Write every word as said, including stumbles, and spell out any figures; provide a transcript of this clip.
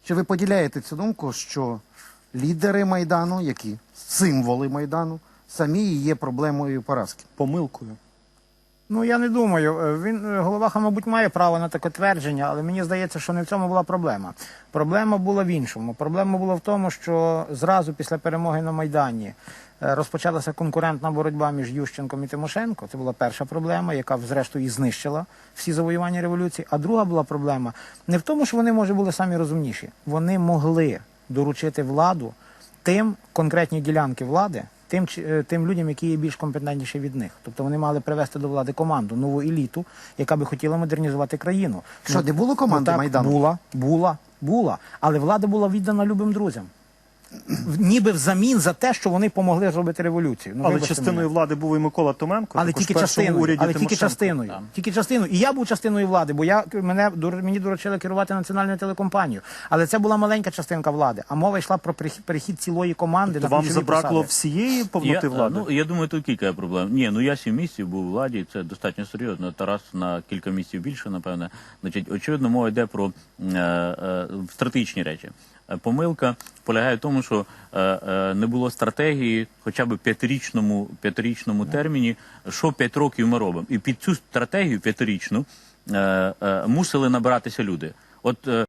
Чи ви поділяєте цю думку, що лідери Майдану, які символи Майдану, самі і є проблемою поразки? Помилкою. Ну, я не думаю. Він, Головаха, мабуть, має право на таке твердження, але мені здається, що не в цьому була проблема. Проблема була в іншому. Проблема була в тому, що зразу після перемоги на Майдані е, розпочалася конкурентна боротьба між Ющенком і Тимошенко. Це була перша проблема, яка, зрештою, і знищила всі завоювання революції. А друга була проблема не в тому, що вони, може, були самі розумніші. Вони могли доручити владу тим, конкретні ділянки влади, Тим, тим людям, які є більш компетентніші від них. Тобто вони мали привести до влади команду, нову еліту, яка би хотіла модернізувати країну. Що, ну, не було команди ну, так, Майдану? Була, була, була. Але влада була віддана любим друзям. В- Ніби взамін за те, що вони помогли зробити революцію. Ну, Але вибачте частиною мене. влади був і Микола Томенко. Але також тільки в першому частиною, уряді але тільки Тимошенко. частиною, Так. тільки частиною. І я був частиною влади, бо я мене дур- мені доручили керувати національною телекомпанією. Але це була маленька частинка влади. А мова йшла про перехід, перехід цілої команди То на вам ключові забракло посади. всієї повноти Я, влади? ну, я думаю, тут кілька проблем. Ні, ну я сім місяців був у владі, це достатньо серйозно. Тарас на кілька місяців більше, напевне. Значить, очевидно, мова йде про е, е, стратегічні речі. Е, Помилка полягає в тому, що е, е, не було стратегії хоча б п'ятирічному, п'ятирічному терміні, що п'ять років ми робимо. І під цю стратегію п'ятирічну е, е, мусили набиратися люди. От е,